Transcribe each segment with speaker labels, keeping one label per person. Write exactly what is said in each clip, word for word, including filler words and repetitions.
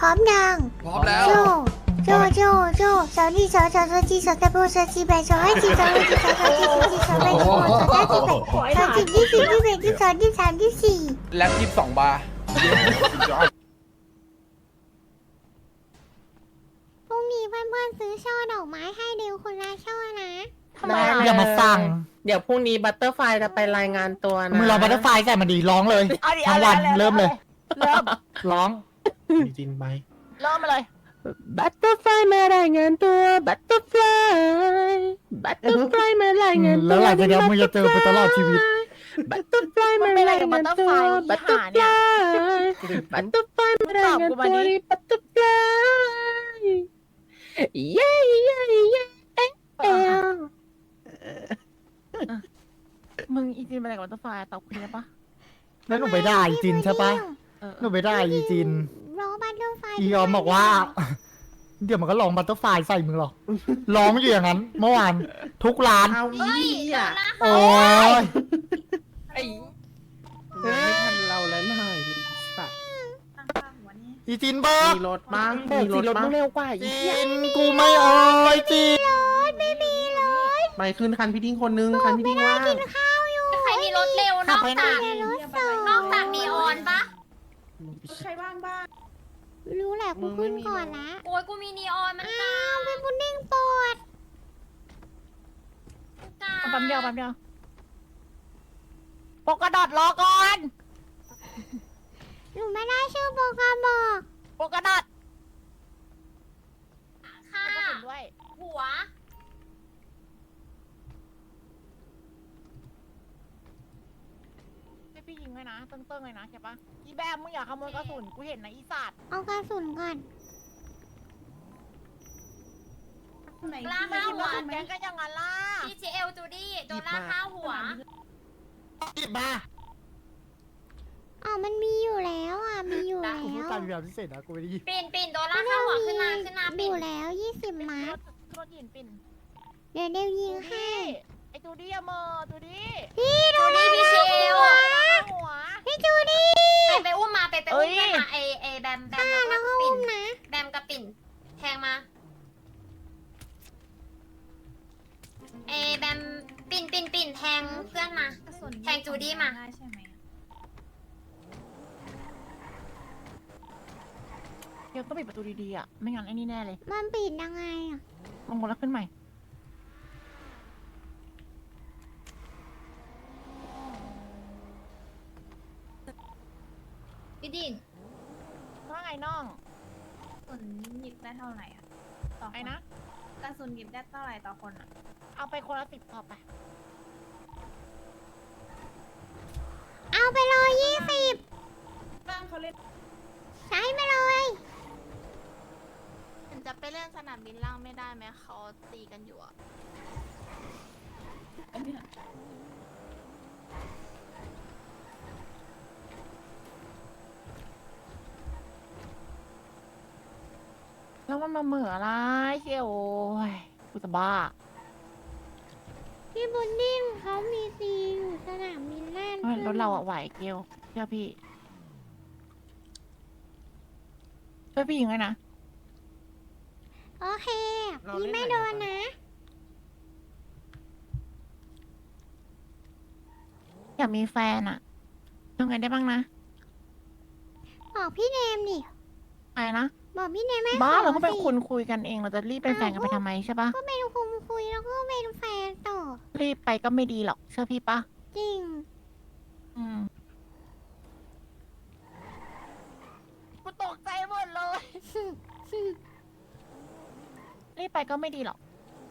Speaker 1: ร้อมยัง
Speaker 2: พร้อมแล้ว
Speaker 1: โจโจโจโจสาวนี่สาวสาวสาวจีสาวตะโบสาวจีแบสาวให้จีสาวให้จีสาวสาวจีสาวจีสาวแบสาวสาวจีแบสาวจีที่สี่ที่แบที่สองที่สามที่สี่
Speaker 2: แล็บยี่สิบสองบาร์
Speaker 1: พรุ่งนี้เพื่อนๆซื้อช่อดอกไม้ให้เดวคนละช่อนะ
Speaker 3: ทำไมล่ะ
Speaker 4: อย่ามาสั่ง
Speaker 3: เดี๋ยวพรุ่งนี้บัตเตอร์ไฟจะไปรายงานตัวนะ
Speaker 4: มึงรอบัตเตอร์ไฟใส่มาดีร้องเลย
Speaker 5: เอาดิ
Speaker 4: ทั้งวัน
Speaker 5: อา
Speaker 4: เริ่มเลย
Speaker 5: เริ่ม
Speaker 4: ร้อง
Speaker 6: มีจินไป
Speaker 5: เริ่มมาเลย
Speaker 3: บัตเตอร์ไฟมารายงานตัวบัตเตอร์ไฟบัตเตอร์ไฟมารายงานตัว
Speaker 4: แล้วหลังจากนี้มึงจะเจอไปตลอดชีวิต
Speaker 3: บัตเตอร์ไฟมารายงานตัวบัตเตอร์ไฟบัตเตอร์ไฟมารายงานตัวบัตเตอร์ไฟเย้เย้เย้เอ๊ะเอ๊ะ
Speaker 5: มึงอีจีนมาอะไรกับบัตเตอร์ไฟตอบคุณได้ปะ
Speaker 4: แล้วหนูไปได้อีจินใช่ปะ
Speaker 5: เออ
Speaker 4: หนูไปได้อีจิน
Speaker 1: ร้องบัตเตอร์ไฟ
Speaker 4: อีออมบอกว่า เดี๋ยวมันก็ลองบัตเตอร์ไฟใส่มึงหรอกร้องอยู่อย่างนั้น เมื่อวานทุกร้าน
Speaker 3: เอาอีอ่ะ
Speaker 4: โอ้ย
Speaker 3: ไอ้ไม่ทันเราแล้วหน่อยสัตว์
Speaker 4: อีจินเบิร์
Speaker 3: มีรถบ้างมีรถบ้างเร็วกว่าอี
Speaker 4: จินกูไม่เอ่ยจิน
Speaker 1: ไม่มีเลย
Speaker 3: ไปขึ้นคันพี่ดิ้งคนนึงคันพี่ดิ้งว่าง
Speaker 1: ข้าวอยู่
Speaker 7: ใครมีรถเร็วนอกจาก
Speaker 1: รถสอง
Speaker 7: นอกจากนีออนปะ
Speaker 1: รู้แหละกูขึ้นก่อนละ
Speaker 7: โอ้ยกูมีนีออนมัน
Speaker 1: อ้าวเป็นพุดดิ้งปวด
Speaker 7: กา
Speaker 5: เอาแป๊บเดียวแป๊บเดียวโปกกระดอดรอก่อน
Speaker 1: หนูไม่ได้ชื่อโปรแกรมบอก
Speaker 5: โปกกระดอด
Speaker 7: ค่ะ
Speaker 5: กระสุนด้วย
Speaker 7: หัว
Speaker 5: ให้พี่ยิงเลยนะเติ้งๆเลยนะใช่ปะอีแบมมึงอย่าขโมยกระสุนกูเห็นนะอีสัตว์
Speaker 1: เอากระสุนก่อน
Speaker 7: กล้าห้าหัว
Speaker 5: แกงก็อย่างนั้นล่ะ
Speaker 7: พีจีเอลจูดี้โดนล่าห้าหัว
Speaker 4: หยิบมา
Speaker 1: อ๋อมันมีอยู่แล้วอ่ะมีอยู่แล้
Speaker 4: กูพูด
Speaker 1: ว
Speaker 4: ตามแบบพิเศษนะกูไม่ได้ยิน
Speaker 7: ปิ่นปิ่นโดนล่าห้าหัวขึ้นมาขึ้นมา
Speaker 1: อ
Speaker 7: ปิ่น
Speaker 1: ยู่แล้วยี่สิบมัด
Speaker 5: รถหินปิ่น
Speaker 1: เดี๋ยวเดี๋ยวยิง
Speaker 5: ตู
Speaker 1: ให้
Speaker 5: ดี้ไอตูดี้อะเมอตูดี้
Speaker 1: พี่ดู
Speaker 7: จูดี้พีจีเอล
Speaker 5: หัว
Speaker 1: พี่จูดี้
Speaker 7: ไปไปอุ้มมาไปไปอุ้ม
Speaker 5: เอ้ย
Speaker 7: มาเอเอแบมแบม
Speaker 1: อ่า
Speaker 7: แล้ว
Speaker 1: แล้ว
Speaker 7: ก็
Speaker 1: ก็
Speaker 7: ปิ่
Speaker 1: อุ้
Speaker 7: น
Speaker 1: มนะ
Speaker 7: แบมกับปิ่นแทงมาเอแบมปิ่นปิ่นปิ่นแทงเพื่อนมาแทงจูดี้มา
Speaker 5: เดี๋ยวต้องปิดประตูดีๆอ่ะไม่งั้นไอ้นี่แน่เลย
Speaker 1: มันปิดยังไงอ่ะ
Speaker 5: ลงมาแล้วขึ้นใหม่
Speaker 7: พี่ดิน
Speaker 5: ว่าไงน้อง
Speaker 8: กระสุนหยิบได้เท่าไหร่อ่ะต่อค
Speaker 5: ไอ้
Speaker 8: น
Speaker 5: นะ
Speaker 8: กระสุนหยิบได้เท่าไหร่ต่อคนอ่ะ
Speaker 5: เอาไปคนละสิบพอไป
Speaker 1: เอาไปเลยยี่สิบ
Speaker 8: บ้างเขาเล่น
Speaker 1: ใช้ไปเลย
Speaker 8: จะไปเล่นสนามบินล่างไม่ได้ไหมเขาตีกันอยู่อ่ะ
Speaker 5: แล้วมันมาเหมืออะไรเชี่ยวโอ้ยกูจะบ้า
Speaker 1: พี่บุญดิ้งเขามีซีอยู่สนามบินล่าง
Speaker 5: เฮ้ยรถเราอะไหวเกลเชื่อพี่ช่วยพี่ยิงเลยนะ
Speaker 1: โอเคพี่ไม่โดนนะ
Speaker 5: อยากมีแฟนอะทำไงได้บ้างนะ
Speaker 1: บอกพี่เนมดิ
Speaker 5: อะไรนะ
Speaker 1: บอกพี่เนมไม่
Speaker 5: บ้า
Speaker 1: ขอ
Speaker 5: เราก็เป็น
Speaker 1: สิ
Speaker 5: คนคุยกันเองเราจะรีบเป็นแฟนกันไปทำไมใช่ปะ
Speaker 1: ก็เป็นคุมคุยแล้วก็เป็นแฟนต่อ
Speaker 5: รีบไปก็ไม่ดีหรอกเชื่อพี่ปะ
Speaker 1: จริง
Speaker 5: อืมกูตกใจหมดเลย รีบไปก็ไม่ดีหรอก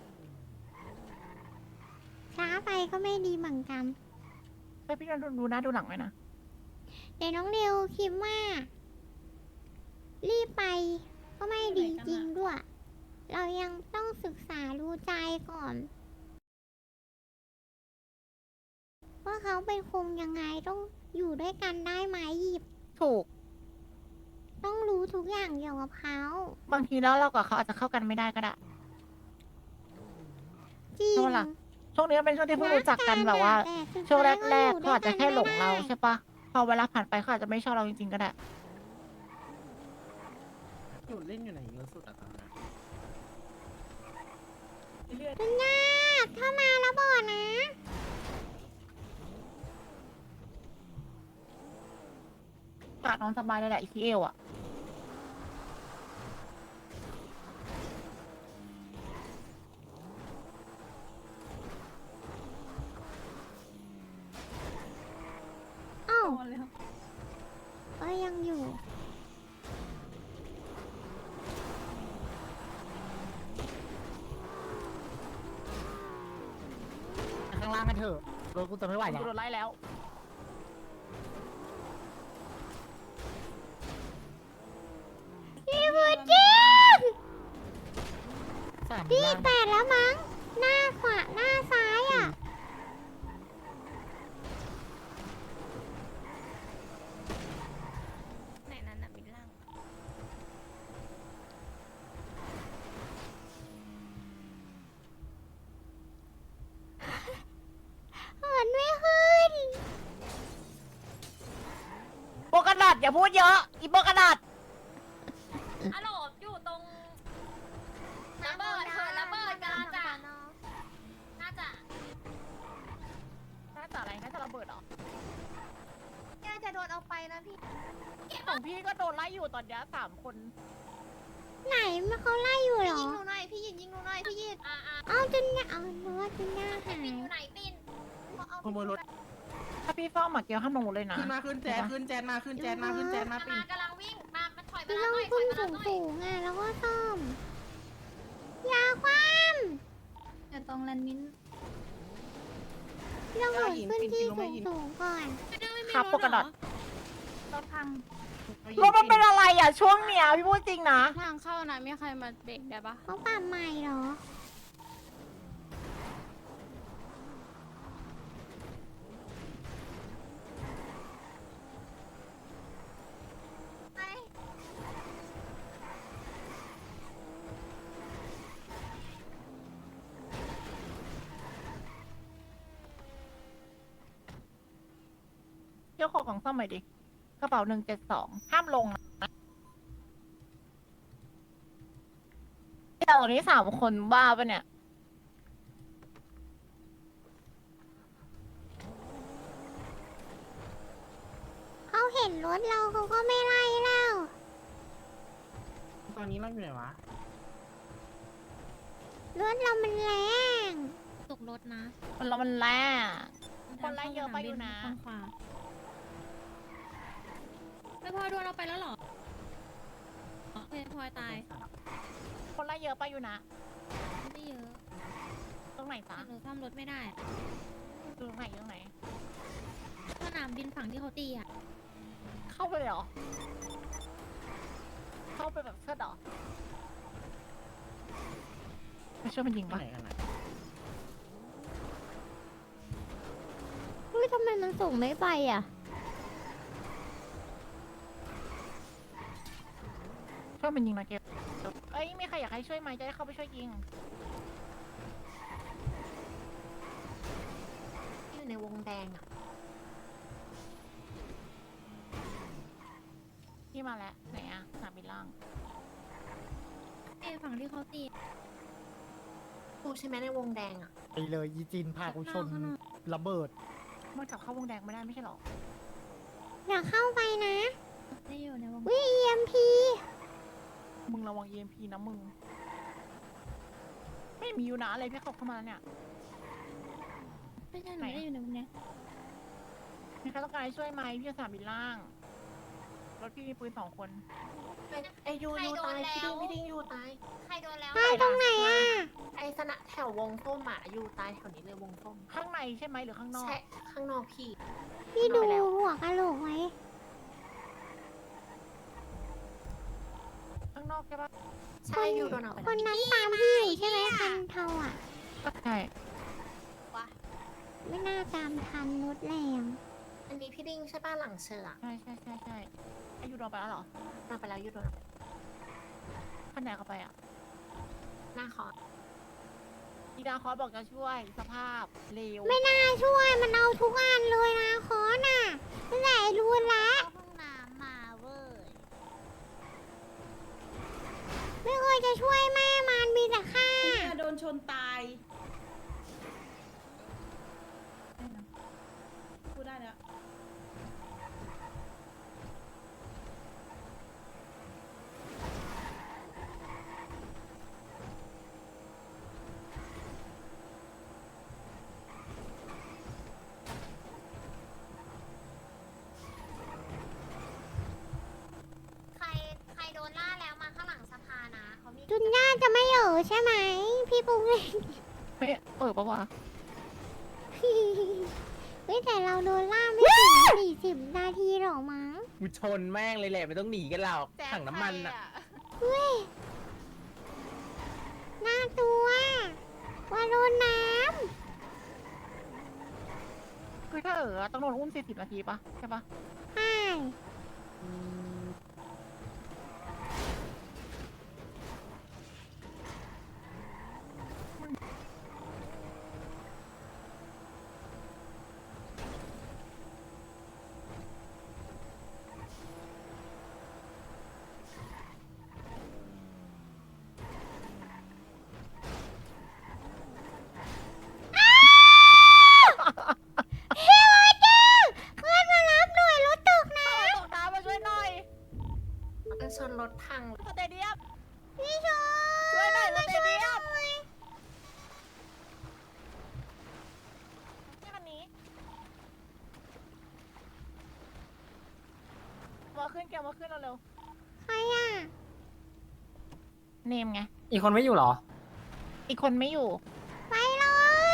Speaker 1: ช้าไปก็ไม่ดีเหมือนกัน
Speaker 5: ไปพี่ดูดูหน้าดูหลังไว้นะ
Speaker 1: เดี๋ยวน้องเร็วคิดว่า รีบไปก็ไม่ดีจริงด้วย เรายังต้องศึกษาดูใจก่อน ว่าเขาเป็นคงยังไงต้องอยู่ด้วยกันได้ไหมหยิบ
Speaker 5: ถูก
Speaker 1: ต้องรู้ทุกอย่างเกี่ยวกับเขา
Speaker 5: บางทีแล้วเรากับเขาอาจจะเข้ากันไม่ได้ก็ได้
Speaker 1: จริง
Speaker 5: ใช่ปะล่ะ ช่วงนี้มันเป็นช่วงที่เพิ่งรู้จักกันแบบว่า
Speaker 1: แต่สุด
Speaker 5: ช่วง
Speaker 1: ท้ย
Speaker 5: แรกๆ
Speaker 1: อยู่
Speaker 5: เขาอาจจะแค่หลงเรา
Speaker 1: ด้วยกันไม่ได้
Speaker 5: ใช่ปะพอเวลาผ่านไปเขาอาจจะไม่ชอบเราจริงๆก็ได้
Speaker 2: สุดเล่นอยู่ไหนเยอะสุดอะตอนนี้
Speaker 1: มันยากถ้ามาแล้วบอกนะ
Speaker 5: กาดนอนสบายเลยแหละอีพีเอลอ่ะ
Speaker 1: เอ้าก็ยังอยู่
Speaker 4: ข้างล่างกันเถอะรถกูจะไม่ไหวแล้ว
Speaker 5: กูโดนไล่แล้ว
Speaker 1: พี่บูจิน
Speaker 4: สาม
Speaker 1: พี่
Speaker 4: ล่าง
Speaker 1: แปดแล้วมั้ง หน้าขวาหน้าซ้ายอ่ะ
Speaker 8: ไหนนั้นน่ะมิดล่าง
Speaker 1: เหินไม่ขึ้น
Speaker 5: โบกระดาษอย่าพูดเยอะอีโบกระดาษ
Speaker 7: ฮัลโหลอยู่ตรงระเบิดเถิดระเบิดกำลังจะน่าจะ
Speaker 5: น่าจะอะไรน่าจะระเบิดเหรอ
Speaker 8: น่าจะโดนเอาไปนะพี่
Speaker 5: ของพี่ก็โดนไล่อยู่ตอนเนี้ยสามคน
Speaker 1: ไหนมันเขาไล่อยู่เหรอ
Speaker 8: ยิงหนูหน่อยพี่ยิงยิงหนูหน่อยพี่ยิง
Speaker 7: อ่าอ่า
Speaker 1: เอาจนเนี่ยเอาเนื้อจนหน้าหาย
Speaker 7: ปินอยู่ไหนปิน
Speaker 2: ขโมยรถ
Speaker 5: ถ้าพี่ฟ้องหมาเกียวห้ามลงรถเลยนะ
Speaker 2: ขึ้นมาขึ้นแจนขึ้นแจนมาขึ้นแจนมาขึ้นแจนมาปิ่น
Speaker 7: มากำลังวิ่งมามาถอยมา
Speaker 1: พี่
Speaker 7: แล้
Speaker 1: ต้
Speaker 7: ว
Speaker 1: อง
Speaker 7: หน่อยถ
Speaker 1: ขึ้
Speaker 7: อน ยมา
Speaker 1: สู
Speaker 7: แล้วหน่อย
Speaker 1: งสูงๆอ่ะแล้วก็ซ่อมอยาคว่
Speaker 8: แต่ตรงแลนมิน
Speaker 1: ำเราเหินขึ้นที่สูงสูงๆก่อน
Speaker 5: ครับโบกระดาษ
Speaker 8: รถพัง
Speaker 5: รถมันเป็นอะไรอ่ะช่วงเนี้ยพี่พูดจริงนะ
Speaker 8: ทางเข้านะมีใครมาเบรกได้ปะ
Speaker 1: เขาปรับใหม่เหรอ
Speaker 5: เจ้าของของซ่อมใหม่ดิกระเป๋าหนึ่งเจ็ดสองห้ามลงนะแต่ตอนนี้สามคนบ้าปะเนี่ย
Speaker 1: เขาเห็นรถเราเขาก็ไม่ไล่แล้ว
Speaker 2: ตอนนี้เราอยู่ไหนวะ
Speaker 1: รถเรามันแรง
Speaker 8: ตกรถนะ
Speaker 5: มันเรามันแร่คนไล่เยอะไปอยู่นะ
Speaker 8: ข้างขวาไม่พลอยโดนเราไปแล้วเหรอโอเคพลอยตาย
Speaker 5: คนไล่เยอะไปอยู่นะ
Speaker 8: ไม่เยอะ
Speaker 5: ตรงไหนจ๊ะ
Speaker 8: หนูซ่อมรถไม่ได้
Speaker 5: ตรงไหนตรงไหน
Speaker 8: สนามบินฝั่งที่เขาตีอ่ะ
Speaker 5: เข้าไปเลยเหรอ เข้าไปแบบเชิดเหรอไม่เชื่อมันยิง
Speaker 2: ที่
Speaker 5: ปะ
Speaker 2: ไหนกันนะ
Speaker 1: เฮ้ยทำไมมันส่งไม่ไปอ่ะ
Speaker 5: ช่วยมันยิงนะเก็บเอ้ยมีใครอยากให้ช่วยไหมจะได้เข้าไปช่วยยิง
Speaker 7: อยู่ในวงแดงอ่ะ
Speaker 5: พี่มาแล้วไหนอะสนามบินล่าง
Speaker 8: เอ้ฝั่งที่เขาตี
Speaker 7: กูใช่ไหมในวงแดงอ่ะ
Speaker 4: ไปเลยยีจินพากูชนระเบิด
Speaker 5: มันกลับเข้าวงแดงไม่ได้ไม่ใช่หรอ
Speaker 1: อย่าเข้าไปนะ
Speaker 8: ได้อยู่ในวง
Speaker 1: วิ อี เอ็ม พี
Speaker 5: มึงระวัง อี เอ็ม พี นะมึง ไม่มีอยู่นะอะไรพี่เขาเข้ามาแล้วเนี่ย
Speaker 8: ไม่ใช่หนูไม่ได้อยู่ในวงเนี้ย
Speaker 5: มีใครต้องการให้ช่วยไหมพี่จะสนามบินล่าง รถพี่มีปืนสองคน
Speaker 7: ไอยูยูตายพี่ดิ้งพี่ดิ้งยูตายใครโดนแล้ว
Speaker 1: ตายตรงไหนอ่ะ
Speaker 7: ไอสนะแถววงส้มอ่ะยูตายแถวนี้เลยวงส้ม
Speaker 5: ข้างในใช่ไหมหรือข้างนอก
Speaker 7: ใช่ข้างนอกพี่
Speaker 1: พี่ดูหัวกะโหลกไว้
Speaker 5: ข้างนอกใช่ปะ
Speaker 7: ใช่ยูโดนเอาไป
Speaker 1: คนนั้นตามพี่อยู่ใช่ไหมคันเทาอ่ะ
Speaker 5: ใช่
Speaker 1: ไม่น่าตามทันรถแรง
Speaker 7: อันนี้พี่ดิ้งใช่ป้ะหลังเชือก
Speaker 5: ใช่ใช่ใช่ใช่อายุโดนไปแล้วเหรอ
Speaker 7: เอาไปแล้วยูโดนเอาไป
Speaker 5: ข้างไหนเข้าไปอ่ะ
Speaker 7: หน้าคอ
Speaker 5: อีดาคอสบอกจะช่วยสภาพเร็ว
Speaker 1: ไม่น่าช่วยมันเอาทุกอันเลยนะคอน่ะตั้งแต่รู้ละ
Speaker 8: ห้องน้ำมาเว้ย
Speaker 1: ช่วยแม่มันมีแต่ฆ่า
Speaker 8: โดนชนตายพูดได้แล้ว
Speaker 7: ใครใครโดนล่าแล้วมาข้างหลังสภานะเขามี
Speaker 1: จุนย่าจะไม่เออใช่ไหมพี่ปุ้งเล่น
Speaker 3: ไม่เออปะวะ
Speaker 1: เฮ้ยแต่เราโดนล่าไม่ถึงสี่สิบนาทีหรอกมั้ง
Speaker 2: กูชนแม่งเลยแหละไม่ต้องหนีกันหรอกถังน้ำมันอ่ะ
Speaker 1: เฮ้ยน่าตัวว่าโดนน้
Speaker 5: คือถ้าเออต้องโดนอุ้มสี่สิบนาทีปะใช่ปะ
Speaker 1: ำใช่ เฮ้ยเจ้าเพื่อนมารับหน่วยรถตกน้
Speaker 5: ตกน้ำมาช่วยหน่อย
Speaker 2: มันชนรถพัง
Speaker 5: สเตเดียม
Speaker 1: ำพี่ชม
Speaker 5: ช่วยหน่อยสเตเดียม
Speaker 1: หน่อย
Speaker 5: นี่คันนี้มาขึ้นแกมาขึ้นเร็ว
Speaker 1: ใครอ่ะ
Speaker 5: ๆเนมไง
Speaker 3: อีกคนไม่อยู่เหรอ
Speaker 5: อีกคนไม่อยู่
Speaker 1: ไปเลย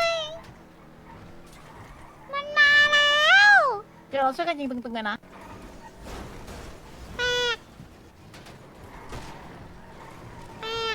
Speaker 1: มันมาแล้ว
Speaker 5: เดี๋ยวเราช่วยกันยิงตึงๆเลยนะ
Speaker 1: แตกแตก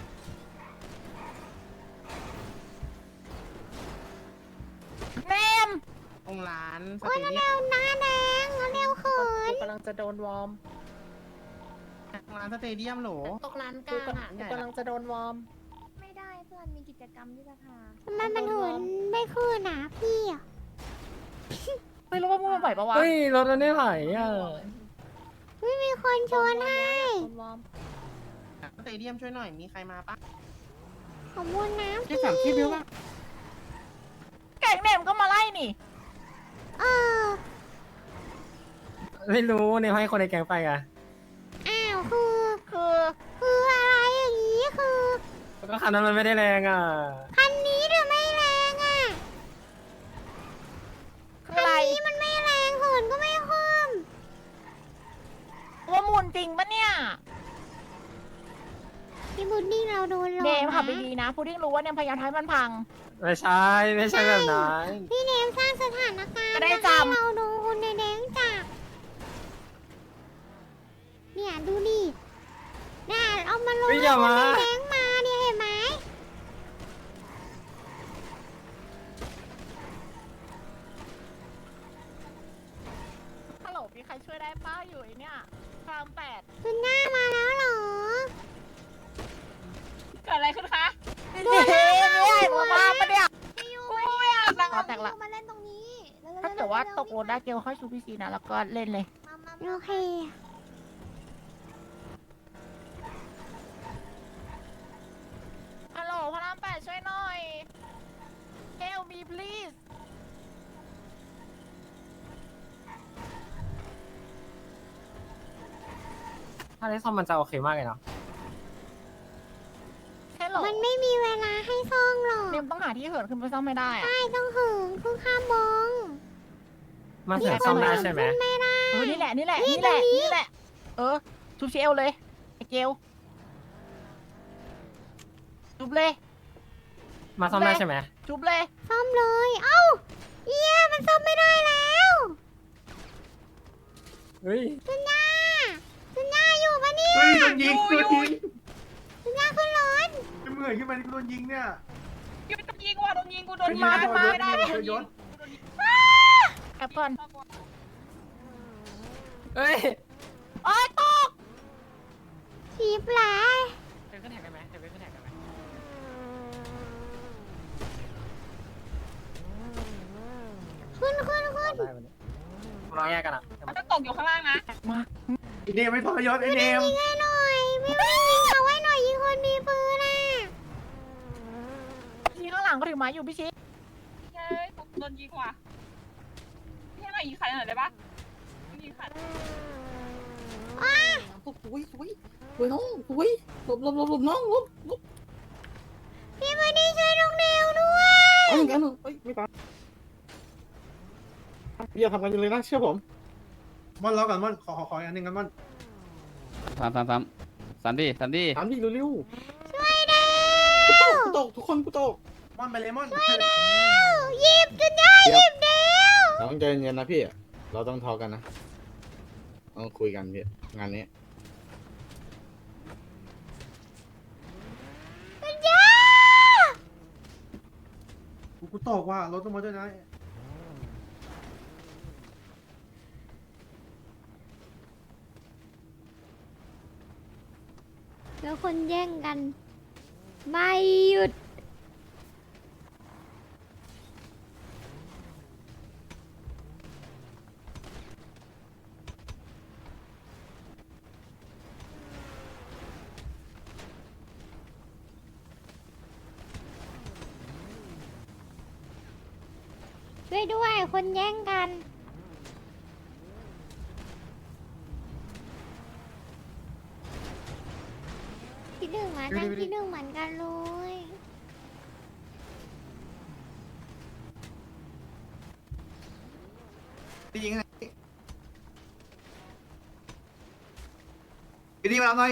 Speaker 5: เนม
Speaker 2: ตรงร้านส
Speaker 1: โอ้ย
Speaker 2: เต
Speaker 1: แล้ว
Speaker 2: เดีย
Speaker 1: เร็วหน้าแดงแล้วเร็วเขิน
Speaker 3: กำลังจะโดนวอร์ม
Speaker 2: มตรงร้านสเตเดียมโหล
Speaker 7: ตกร้านกลางอ่ะ
Speaker 3: กำลังจะโดนวอร์ม
Speaker 7: ไม่ได้เพื่อนมีกิจกรรมที่สภา
Speaker 1: ทำไมมันหืนไม่ขึ้นอ่ะพี่อ่ะ
Speaker 5: ไม่รู้ว่ามึงมาไหวปะวะ
Speaker 3: เฮ้ย รถมันไม่ไหวอ่ะ
Speaker 1: ไม่มีคนชวนให้
Speaker 3: โดนวอร์ม
Speaker 2: สเตเดียมช่วยหน่อยมีใครมาปะ
Speaker 1: ขอบคุณน้ำพี่
Speaker 5: แก่งเนมก็มาไล่นี่
Speaker 1: เออ
Speaker 3: ไม่รู้เนี่ยให้คนในแก๊งไปอ่ะ
Speaker 1: อ้าวคือ
Speaker 5: คือ
Speaker 1: คืออะไรอย่างนี้คือ
Speaker 3: แล้วก็คันนั้นมันไม่ได้แรงอ่ะ
Speaker 1: คันนี้เดี๋ยวไม่แรงอ่ะ
Speaker 5: คือ
Speaker 1: คัน
Speaker 5: อะไร
Speaker 1: นี้มันไม่แรงเหินก็ไม่ขึ้น
Speaker 5: ว่ามูลจริงปะเนี่ย
Speaker 1: พี่บุดดิ้งเราโดนหลอก
Speaker 5: เนมขับไป
Speaker 1: นะ
Speaker 5: ดีนะพุดดิ้งรู้ว่าเนมพยายามทำให้มันพัง
Speaker 3: ไม่ใช่ ไม่ใช่แบบนั้น
Speaker 1: พี่เนมสร้างสถานการณ์
Speaker 5: จะได้
Speaker 1: ให้
Speaker 5: จำ
Speaker 1: เราโดนคนในแดงจับเนี่ยดูดิน่าเอามาลง
Speaker 3: เฮ้ยอย่ามา
Speaker 1: คนในแดงมาเนี่ยเห็นไหม
Speaker 5: ฮัลโหลมีใครช่วยได้ป้าอยู่ไอเนี่ยพรามแปด
Speaker 1: คุณหน้ามาแล้วเหรอ
Speaker 5: เกิดอะไรขึ้นคะ
Speaker 1: โด
Speaker 5: เฮ้
Speaker 1: น
Speaker 5: ย
Speaker 1: ล่า
Speaker 5: ไม่ได้หัวมาปะเนี่ย
Speaker 7: พี่ยู
Speaker 5: กูไม่อยากนั่ง
Speaker 7: มา
Speaker 5: แตกละ
Speaker 7: มาเล่นตรงนี้ร็วๆ
Speaker 5: ถ้าเกิดว่า
Speaker 7: ร็ๆ
Speaker 5: ตกรถได้เกลค่อยชูพีซีนะแล้วก็เล่นเลย
Speaker 7: มามา
Speaker 1: โอ
Speaker 7: มา
Speaker 1: เค
Speaker 5: ฮัลโหลพรามแปดช่วยหน่อย Help me please
Speaker 3: ถ้าได้ซ่อมมันจะโอเคมากเลยเนาะ
Speaker 5: ฮัลโหล
Speaker 1: มันไม่มีเวลาให้ซ่องหรอก
Speaker 5: เนมต้องหาที่เหินขึ้นไปซ่อมไม่ได้อะ
Speaker 1: ใช่ต้องหึงเพิ่งข้ามมอง
Speaker 3: มันถึงซ่อมได้ใช่ไหม
Speaker 1: ขึ้นไม่ได้
Speaker 5: เออนี่แหละนี่แหละ
Speaker 1: นี่
Speaker 5: นี่แหละ
Speaker 1: ตรงนี้
Speaker 5: นี่แหละ เออชุบเชลเลยไอเกลชุบเลย
Speaker 3: มาซ่อมได้ใช่ไหม
Speaker 5: ชุบเลย
Speaker 1: ซ่อมเลย เอ้าเอี้ยมันซ่อมไม่ได้แล้ว
Speaker 3: เฮ้ย
Speaker 1: จุนย่าจุนย่าอยู่ปะเนี่ย
Speaker 6: เฮ้ยโดนยิงโดนยิง
Speaker 1: จุนย่าขึ้นรถ
Speaker 6: จะเหมื่อยขึ้นมาที่โดนยิงเนี่ย
Speaker 5: โดนยิงว่ะโดนยิงกูโดน
Speaker 6: มา
Speaker 5: มา
Speaker 6: มา
Speaker 5: มา
Speaker 6: ไม่
Speaker 5: ไม่
Speaker 6: ได้
Speaker 5: ได้
Speaker 6: โดนยศ
Speaker 5: แอปเปิล
Speaker 3: เฮ้ย
Speaker 5: โอ้ยตก
Speaker 1: ผีปลา
Speaker 3: เดินขึ้นแท็กได้ไหมเดินขึ้นแท็กได้ไหม
Speaker 1: ขึ้นขึ้นขึ้น
Speaker 3: ได้วันนี้เราแยกกันอ่ะ
Speaker 5: มันจะตกอยู่ข้างล่างนะมา
Speaker 6: ไอเนมไม่ทรยศไอเนม
Speaker 1: ยิงให้หน่อยไม่ไม่ยิงเอาไว้หน่อยยิงคนมีปืนอ
Speaker 5: อยู่ไม้อยู่พี่ชิ
Speaker 7: เฮ้ยโดนยิงว่ะพี่ให้มายิงใครหน่อยได้ปะยิงใคร
Speaker 3: อุ้ยอุ้ยอุ้ยน้องอุ้ยหลบหลบหลบหลบน้องหลบหลบ
Speaker 1: พี่ไม่ได้ช่วยน้องเดวด้วย
Speaker 3: เอาอย่างนั้นเฮ้ยไม่ตายพี่อย่าทำกันเลยนะเชื่อผม
Speaker 6: ม่อนรอก่อนม่อนขอขอขออีกอันหนึ่งกันม่อน
Speaker 9: สามสามสามสามดิสามดิ
Speaker 3: ถามพี่เร็ว
Speaker 1: ช่วยเดว
Speaker 3: ๆกูตกทุกคนกูตก
Speaker 6: ม่อนไปเลยม่อน
Speaker 1: หยิบจนได้หยิบเดว
Speaker 3: น้องใจเย็นนะพี่เราต้องทอกันนะต้องคุยกันพี่งานนี้
Speaker 1: ปัญญา
Speaker 6: กูกูตกว่ะรถต้องมาด้วยนะ
Speaker 1: แล้วคนแย่งกัน ไม่หยุด ช่วยด้วยคนแย่งกัน ที่หนึ่งมานั่งที่หนึ่งเหมือนกันเลย
Speaker 6: พี่ยิงไงพี่ดีมาหน่อย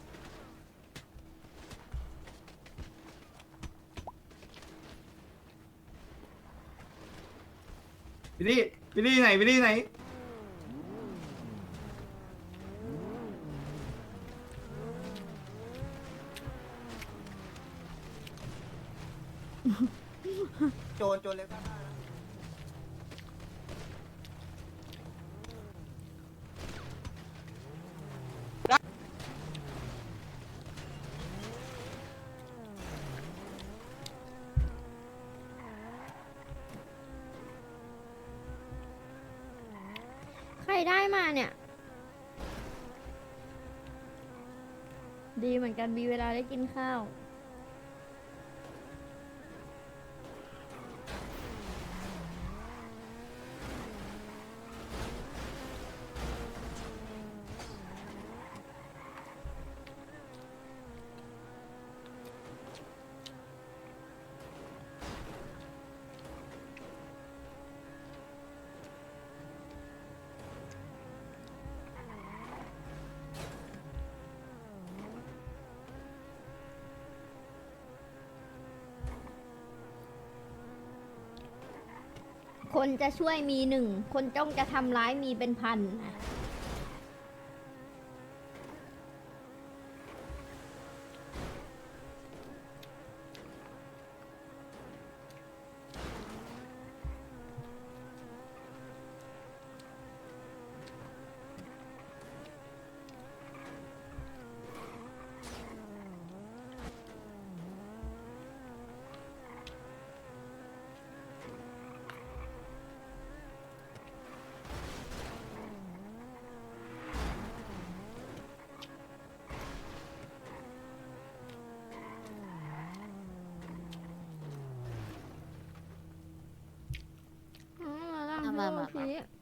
Speaker 6: พี่ดีพี่ดีไหนพี่ดีไหนโจรโจรเล็ก
Speaker 8: ใครได้มาเนี่ย ดีเหมือนกันมีเวลาได้กินข้าว คนจะช่วยมีหนึ่ง คนจ้องจะทำร้ายมีเป็นพันอ๋อแล้ว
Speaker 3: มามามา
Speaker 8: พี่